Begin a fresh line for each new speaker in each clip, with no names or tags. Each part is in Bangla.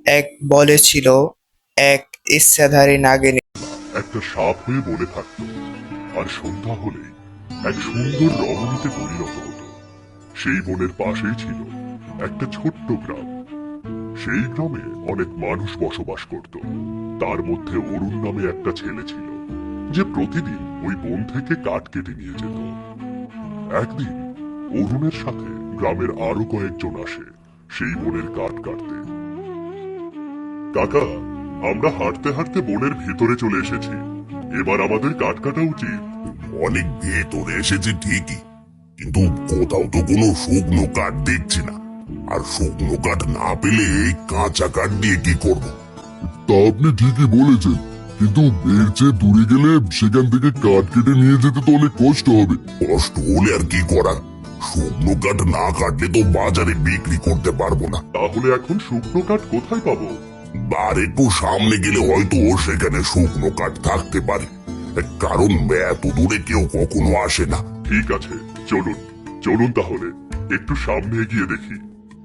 এক বলেছিল এক ইচ্ছাধারী নাগিনী
একটা সাপ হয়ে বনে থাকতো, আর সন্ধ্যা হলেই এক সুন্দর রমণীতে পরিণত হতো। সেই বনের পাশেই ছিল একটা ছোট্ট গ্রাম। সেই গ্রামে অনেক মানুষ বসবাস করত। তার মধ্যে অরুণ নামে একটা ছেলে ছিল, যে প্রতিদিন ওই বন থেকে কাঠ কেটে নিয়ে যেত। একদিন অরুণের সাথে গ্রামের আরো কয়েকজন আসে সেই বনের কাঠ কাটতে। কাকা, আমরা হাঁটতে হাঁটতে বনের ভেতরে চলে এসেছি, এবার আমাদের কাঠ কাটা উচিত।
অনেক ভেতরে এসেছে ঠিকই, কিন্তু কোথাও তো কোনো শুকনো কাঠ দেখছি না। আর শুকনো কাঠ না পেলে এই কাঁচা কাঠ দিয়ে কি করব?
তা আপনি ঠিকই বলেছেন, কিন্তু এর চেয়ে দূরে গেলে সেখান থেকে কাঠ কেটে নিয়ে যেতে তো অনেক কষ্ট হবে।
কষ্ট হলে আর কি করার, শুকনো কাঠ না কাটলে তো বাজারে বিক্রি করতে পারবো না।
তাহলে এখন শুকনো কাঠ কোথায় পাবো?
আর একটু সামনে গেলে হয়তো সেখানে শুকনো কাঠ থাকতে পারে, কারণ এত দূরে কেউ কখনো আসে না।
ঠিক আছে, চলুন চলুন তাহলে একটু সামনে এগিয়ে দেখি।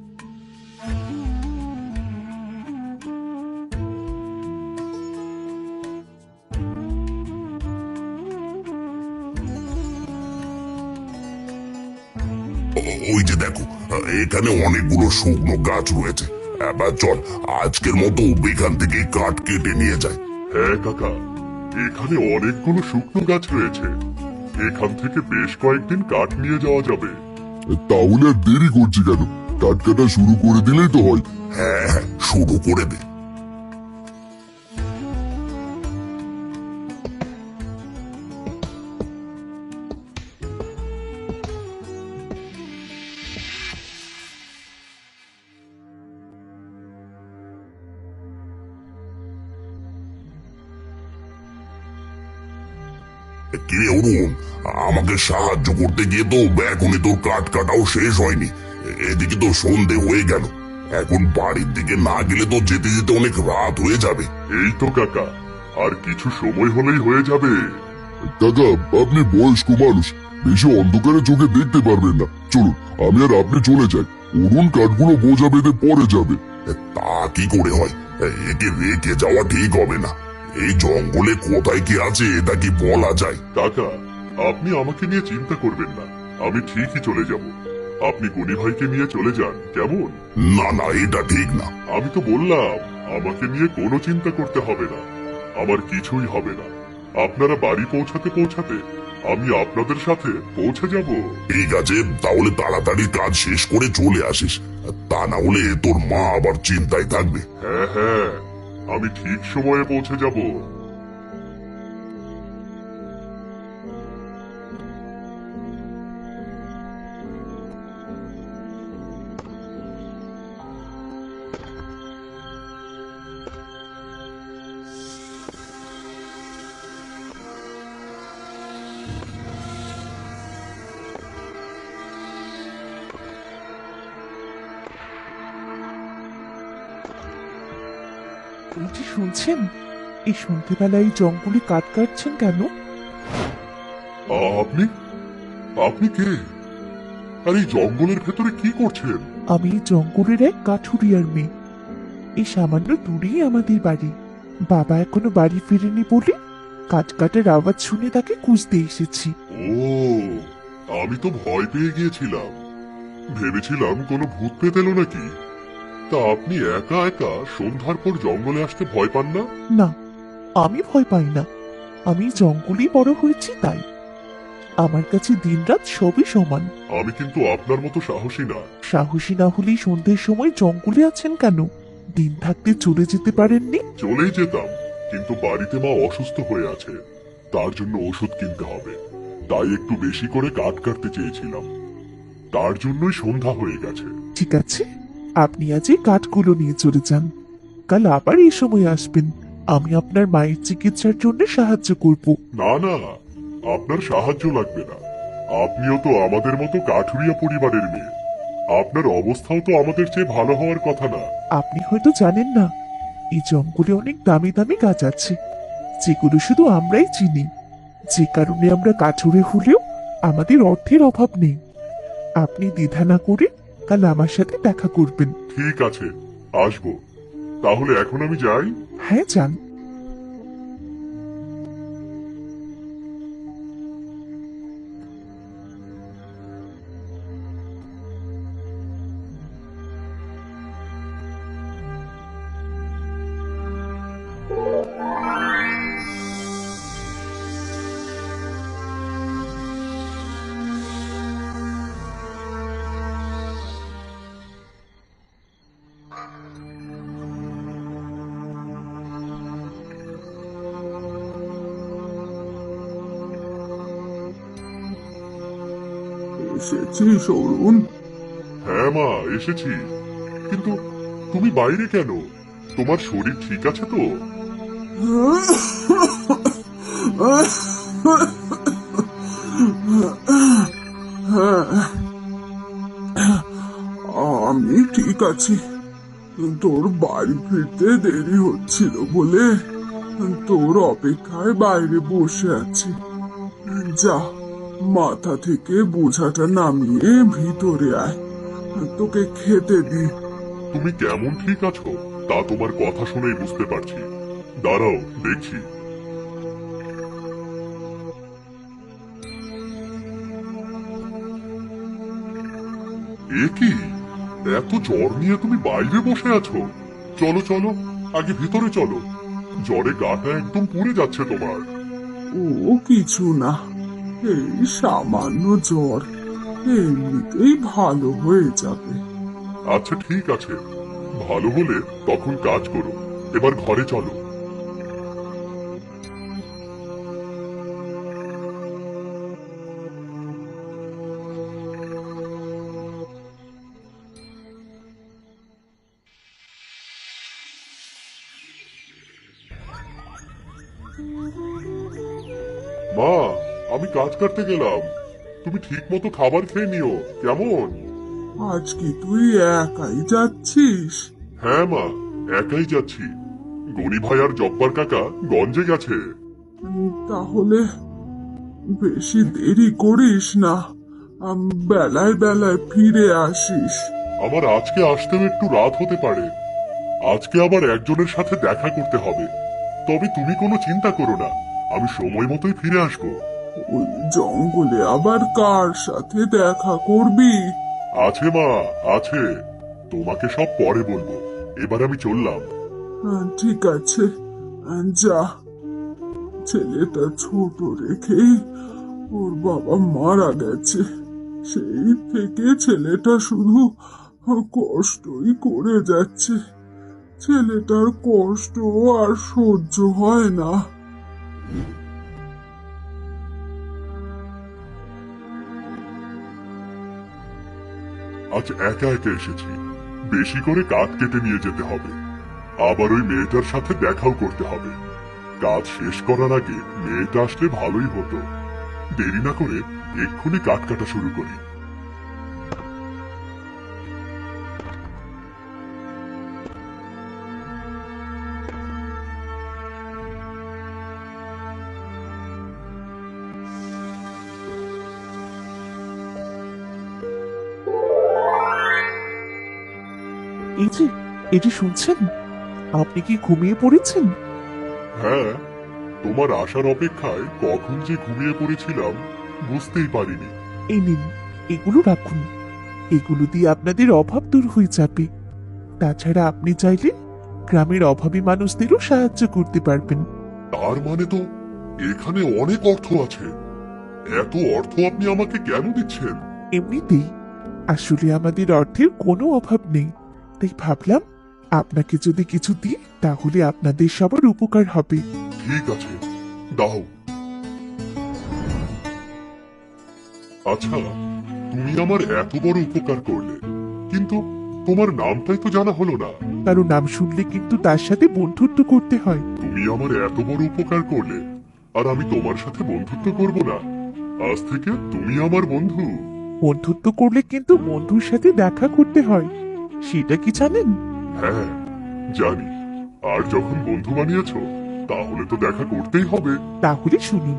ওই যে দেখো, এখানে অনেকগুলো শুকনো গাছ রয়েছে। এবার চল, আজকের মতো এখান থেকে কাঠ কেটে নিয়ে যায়।
হ্যাঁ কাকা, এখানে অনেকগুলো শুকনো গাছ রয়েছে, এখান থেকে বেশ কয়েকদিন কাঠ নিয়ে যাওয়া যাবে। তাহলে আর দেরি করছি কেন, কাঠ কাটা শুরু করে দিলেই তো হয়।
হ্যাঁ হ্যাঁ, শুরু করে দে। কিরে অরুণ, আমাকে সাহায্য করতে গিয়ে তো এখনই তোর কাঠ কাটাও শেষ হয়নি। এদিকে তো সন্ধে হয়ে গেল, এখন বাড়ির দিকে না গেলে তো যেতে যেতে অনেক রাত হয়ে যাবে।
এই তো কাকা, আর কিছু সময় হলেই হয়ে যাবে। কাকা, আপনি বয়স্ক মানুষ, বেশি অন্ধকারে চোখে দেখতে পারবেন না। চলুন, আমি আর আপনি চলে যাই, অরুণ কাঠগুলো বোঝা বেঁধে পরে যাবে।
তা কি করে হয়? একে রেখে যাওয়া ঠিক হবে না। এই জঙ্গলে কোথায় কি আছে এটা কি বলা যায়?
কাকা, আপনি আমাকে নিয়ে চিন্তা করবেন না, আমি ঠিকই চলে যাব। আপনি গুনি ভাইকে নিয়ে চলে যান, কেমন?
না না, এটা ঠিক না।
আমি তো বললাম আমাকে নিয়ে কোনো চিন্তা করতে হবে না, আমার কিছুই হবে না। আপনারা বাড়ি পৌঁছাতে পৌঁছাতে আমি আপনাদের সাথে পৌঁছে যাব।
ঠিক আছে, তাহলে তাড়াতাড়ি কাজ শেষ করে চলে আসিস, তা না হলে তোর মা আবার চিন্তায় থাকবে।
হ্যাঁ হ্যাঁ, আমি ঠিক সময়ে পৌঁছে যাব।
বলছি, শুনছেন? এই সন্ধ্যেবেলায় এই জঙ্গলে কাঠ কাটছেন কেন?
আপনি আপনি কে? আর এই জঙ্গলের ভেতরে কি করছেন?
আমি এই জঙ্গলের এক কাঠুরিয়ার মেয়ে। এই সামান্য দূরেই আমাদের বাড়ি। বাবা এখনো বাড়ি ফিরেনি বলে কাঠ কাটার আওয়াজ শুনে তাকে খুঁজতে এসেছি।
ও, আমি তো ভয় পেয়ে গিয়েছিলাম, ভেবেছিলাম কোনো ভূত পেত এলো নাকি। তা আপনি একা একা সন্ধ্যার পর জঙ্গলে আসতে ভয় পান না?
না, আমি ভয় পাই না। আমি জঙ্গলেই বড় হয়েছি, তাই আমার কাছে দিনরাত সবই সমান।
আমি কিন্তু আপনার মতো সাহসী না।
সাহসী না হলেই সন্ধ্যের সময় জঙ্গলে আছেন কেন? দিন থাকতে চলে যেতে পারেননি?
চলেই যেতাম, কিন্তু বাড়িতে মা অসুস্থ হয়ে আছে, তার জন্য ওষুধ কিনতে হবে, তাই একটু বেশি করে কাঠ কাটতে চেয়েছিলাম, তার জন্যই সন্ধ্যা হয়ে গেছে।
ঠিক আছে, আপনি আজ এই কাঠগুলো নিয়ে চলে যান। কাল আবার এই সময় আসবেন, আমি আপনার মায়ের চিকিৎসার জন্য সাহায্য করব।
না না, আপনার সাহায্য লাগবে না, আপনিও তো আমাদের মতো কাঠুরিয়া পরিবারের মেয়ে, আপনার অবস্থাও তো আমাদের চেয়ে ভালো হওয়ার কথা না?
আপনি হয়তো জানেন না, এই জঙ্গলে অনেক দামি দামি গাছ আছে, যেগুলো শুধু আমরাই চিনি, যে কারণে আমরা কাঠুরে হলেও আমাদের অর্থের অভাব নেই। আপনি দ্বিধা না করে কাল আমার সাথে দেখা করবেন।
ঠিক আছে, আসবো, তাহলে এখন আমি যাই।
হ্যাঁ, যান।
এসেছিস অরুণ?
হ্যাঁ মা, এসেছি। কিন্তু তুমি বাইরে কেন? তোমার শরীর ঠিক আছে তো?
আমি ঠিক আছি। তোর বাড়ি ফিরতে দেরি হচ্ছিল বলে তোর অপেক্ষায় বাইরে বসে আছি। যা, মাথা থেকে বোঝাটা নামিয়ে ভিতরে আয়, তোকে খেতে দি।
তুমি কেমন ঠিক আছো তা তোমার কথা শুনেই বুঝতে পারছি। দাঁড়াও, দেখছি। এ কি, এত জ্বর নিয়ে তুমি বাইরে বসে আছো? চলো চলো, আগে ভিতরে চলো। জ্বরে গাটা একদম পুড়ে যাচ্ছে তোমার।
ও কিছু না, এই সামান্য জ্বর, এমনিতেই ভালো হয়ে যাবে।
আচ্ছা ঠিক আছে, ভালো হলে তখন কাজ করো। এবার ঘরে চলো। মা, আমি কাজ করতে গেলাম। তুমি ঠিক মতো খাবার খেয়ে নিও, কেমন?
আজ কি তুই একাই যাচ্ছিস?
হ্যাঁ মা, একাই যাচ্ছি। গনি ভাই আর জব্বার কাকা গঞ্জে গেছে।
তাহলে বেশি দেরি করিস না, বেলায় বেলায় ফিরে আসিস।
আমার আজকে আসতেও একটু রাত হতে পারে। আজকে আবার একজনের সাথে দেখা করতে হবে। তবে তুমি কোনো চিন্তা করো না, আমি সময় মতোই ফিরে আসবো।
ওই জঙ্গলে আবার কার সাথে দেখা করবি?
আছে মা, আছে। তোমাকে সব পরে বলবো। এবার আমি চললাম।
ঠিক আছে, যা। ছেলেটা ছোট রেখেই ওর বাবা মারা গেছে। সেই থেকে ছেলেটা শুধু কষ্টই করে যাচ্ছে। ছেলেটার কষ্ট আর সহ্য হয় না।
আজ একা একা এসেছি। বেশি করে কাঠ কেটে নিয়ে যেতে হবে। আবার ওই মেয়েটার সাথে দেখাও করতে হবে। কাজ শেষ করার আগে মেয়েটা আসলে ভালোই হতো। দেরি না করে এক্ষুনি কাঠ কাটা শুরু করি।
এই যে শুনছেন, আপনি কি ঘুমিয়ে পড়েছেন?
হ্যাঁ, তোমার আসার অপেক্ষায় কখন যে ঘুমিয়ে পড়েছিলাম বুঝতেই পারিনি।
এই নিন, এগুলো রাখুন। এগুলো দিয়ে আপনাদের অভাব দূর হয়ে যাবে। তাছাড়া আপনি চাইলে গ্রামের অভাবী মানুষদেরও সাহায্য করতে পারবেন।
তার মানে তো এখানে অনেক অর্থ আছে। এত অর্থ আপনি আমাকে কেন দিচ্ছেন?
এমনিতেই আসলে আমাদের অর্থের কোনো অভাব নেই, তাই ভাবলাম আপনাকে যদি কিছু দিই তাহলে আপনাদের সবার উপকার হবে।
ঠিক আছে, দাও। আচ্ছা, তুমি আমার এত বড় উপকার করলে, কিন্তু তোমার নামটাই তো জানা হলো না।
কারো নাম শুনলে কিন্তু তার সাথে বন্ধুত্ব করতে হয়।
তুমি আমার এত বড় উপকার করলে, আর আমি তোমার সাথে বন্ধুত্ব করব না? আজ থেকে তুমি আমার বন্ধু।
বন্ধুত্ব করলে কিন্তু বন্ধুর সাথে দেখা করতে হয়, সেটা কি জানেন?
হ্যাঁ, জানি। আর যখন বন্ধু বানিয়েছো, তাহলে তো দেখা করতেই হবে।
তাহলে শুনুন,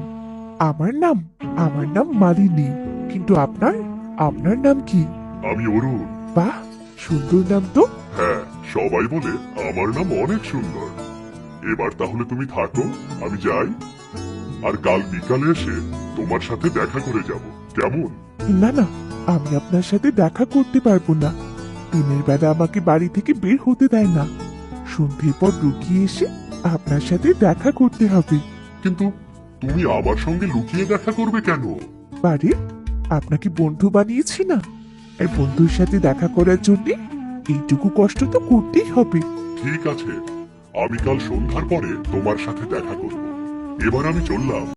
আমার নাম মালিনী, কিন্তু আপনার নাম কি?
আমি অরুণ।
বাহ, সুন্দর নাম তো।
হ্যাঁ, সবাই বলে আমার নাম অনেক সুন্দর। এবার তাহলে তুমি থাকো, আমি যাই। আর কাল বিকালে এসে তোমার সাথে দেখা করে যাব, কেমন?
না না, আমি আপনার সাথে দেখা করতে পারবো না। দিনের বেলা আমাকে বাড়ি থেকে বের হতে দেয় না। সন্ধ্যের পর লুকিয়ে এসে আপনার সাথে দেখা করতে হবে।
কিন্তু তুমি আমার সঙ্গে লুকিয়ে দেখা করবে কেন?
পারে, আপনাকে বন্ধু বানিয়েছি না, আর বন্ধুর সাথে দেখা করার জন্য এইটুকু কষ্ট তো করতেই হবে।
ঠিক আছে, আমি কাল সন্ধ্যার পরে তোমার সাথে দেখা করব। এবার আমি চললাম।